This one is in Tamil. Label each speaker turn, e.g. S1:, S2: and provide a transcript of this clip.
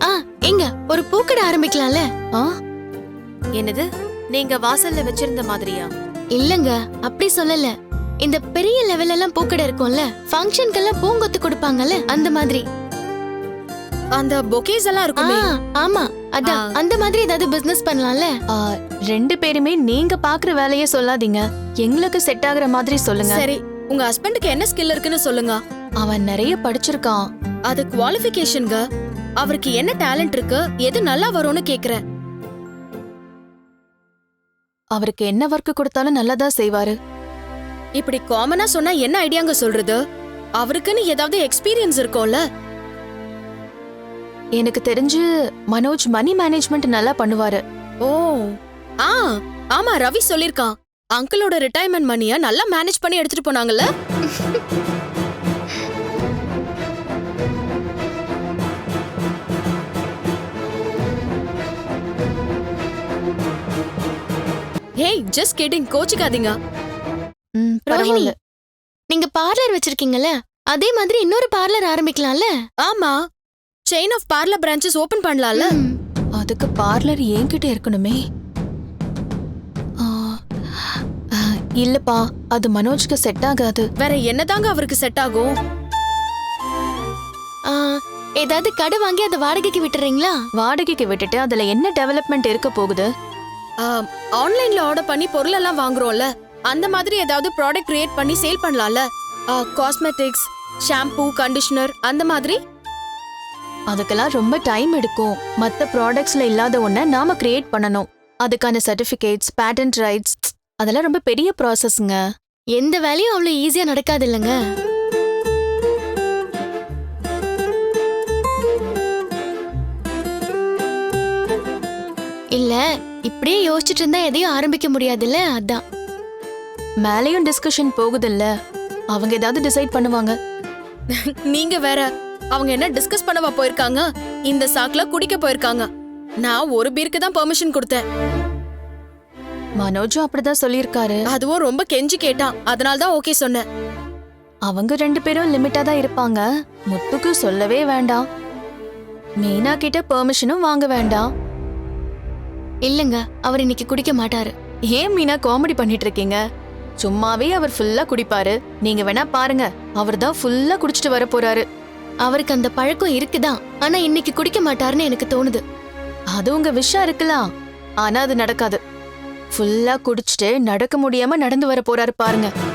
S1: எங்க ஒரு பூக்கடை ஆரம்பிக்கலாம்ல?
S2: என்னது, நீங்க வாசல்ல வச்சிருந்த மாதிரியா?
S1: இல்லங்க, அப்படி சொல்லல. இந்த பெரிய லெவல்ல எல்லாம் பூக்கடை இருக்கும்ல, ஃபங்க்ஷனுக்கெல்லாம் பூங்கொத்து கொடுப்பாங்கல்ல, அந்த மாதிரி.
S2: அந்த பொக்கேஸ் எல்லாம் இருக்குமே.
S1: ஆமா, அதான் அந்த மாதிரி ஏதாவது பிசினஸ் பண்ணலாம்ல.
S3: ரெண்டு பேருமே நீங்க பாக்குற வேலையே சொல்லாதீங்க, எங்களுக்கு செட் ஆகுற மாதிரி சொல்லுங்க.
S2: சரி, உங்க ஹஸ்பண்டுக்கு என்ன ஸ்கில் இருக்குன்னு சொல்லுங்க.
S3: அவன் நிறைய படிச்சிருக்கான்.
S2: அது குவாலிஃபிகேஷன்ங்க. அவருக்கு என்ன டேலண்ட் இருக்கு, எது நல்லா வரும்னு கேக்குறேன்.
S3: அவருக்கு என்ன ஒர்க் கொடுத்தாலும் நல்லதா செய்வாரு.
S2: இப்படி காமனா சொன்னா என்ன ஐடியாங்க சொல்றது? அவருக்குன்னு ஏதாவது எக்ஸ்பீரியன்ஸ் இருக்கும்ல.
S3: எனக்கு தெரிஞ்சு மனோஜ் மணி மேனேஜ்மெண்ட் நல்லா பண்ணுவாரு.
S2: ஓ, ஆமா, ரவி சொல்லிருக்கான். அங்கிளோட ரிட்டையர்மெண்ட் மணிய நல்லா மேனேஜ் பண்ணி எடுத்துட்டு போனாங்கல்ல. ஹேய், ஜஸ்ட் கிடிங், கோச்சிக்காதீங்க.
S1: ரோஹிணி, நீங்க பார்லர் வச்சிருக்கீங்கல்ல, அதே மாதிரி இன்னொரு பார்லர் ஆரம்பிக்கலாம்ல?
S2: ஆமா, chain of parlour branches open பண்ணலாம்ல.
S3: அதுக்கு பார்லர் என்கிட்ட இருக்கணுமே. இல்லப்பா, அது மனோஜ்க்கு செட் ஆகாது.
S2: வேற என்னதாங்க அவருக்கு செட் ஆகும்?
S1: ஏதாவது கடை வாங்கி அதை வாடகைக்கு விட்டுறீங்களா?
S3: வாடகைக்கு விட்டுட்டு அதுல என்ன டெவலப்மெண்ட் இருக்க போகுது?
S2: ஆன்லைன்ல ஆர்டர் பண்ணி பொருள் எல்லாம் வாங்குறோம்ல, அந்த மாதிரி ஏதாவது ப்ராடக்ட் கிரியேட் பண்ணி சேல் பண்ணலாம்ல. காஸ்மெட்டிக்ஸ், ஷாம்பூ, கண்டிஷனர் அந்த மாதிரி.
S3: அதுக்கெல்லாம் ரொம்ப டைம் எடுக்கும். மத்த ப்ராடக்ட்ஸ்ல இல்லாத ஒன்ன நாம கிரியேட் பண்ணணும். அதுக்கான சர்டிபிகேட்ஸ், பேட்டன்ட் ரைட்ஸ், அதெல்லாம் ரொம்ப பெரிய ப்ராசஸ்ங்க.
S1: எந்த வேலையும் அவ்வளவு ஈஸியா நடக்காது இல்லங்க. இல்ல, இப்படியே யோசிச்சுட்டு இருந்தா எதையும் ஆரம்பிக்க முடியாதுல்ல, அதான்.
S3: மேலையும் டிஸ்கஷன் போகுதுல்ல, அவங்க ஏதாவது டிசைட் பண்ணுவாங்க.
S2: நீங்க வேற, அவங்க என்ன டிஸ்கஸ் பண்ணவா போயிருக்காங்க? இந்த சாக்குல குடிக்க போயிருக்காங்க. நான் ஒரு பீருக்கு தான் பெர்மிஷன் கொடுத்தேன்.
S3: மனோஜும் அப்படிதான் சொல்லியிருக்காரு.
S2: அதுவும் ரொம்ப கெஞ்சி கேட்டான், அதனால தான் ஓகே சொன்னேன்.
S3: அவங்க ரெண்டு பேரும் லிமிட்டா தான் இருப்பாங்க. முத்துக்கு சொல்லவே வேண்டாம். மீனா கிட்ட பெர்மிஷனும் வாங்க வேண்டாம்.
S1: இல்லங்க, அவர் இன்னைக்கு குடிக்க மாட்டாரு.
S3: ஏன் மீனா காமெடி பண்ணிட்டு இருக்கீங்க? சும்மாவே அவர் ஃபுல்லா குடிப்பாரு. நீங்க வேணா பாருங்க, அவர் தான் ஃபுல்லா குடிச்சிட்டு வர போறாரு.
S1: அவருக்கு அந்த பழக்கம் இருக்குதான், ஆனா இன்னைக்கு குடிக்க மாட்டாருன்னு எனக்கு தோணுது.
S3: அது உங்க விஷயம் இருக்கலாம், ஆனா அது நடக்காது. ஃபுல்லா குடிச்சிட்டு நடக்க முடியாம நடந்து வர போறாரு பாருங்க.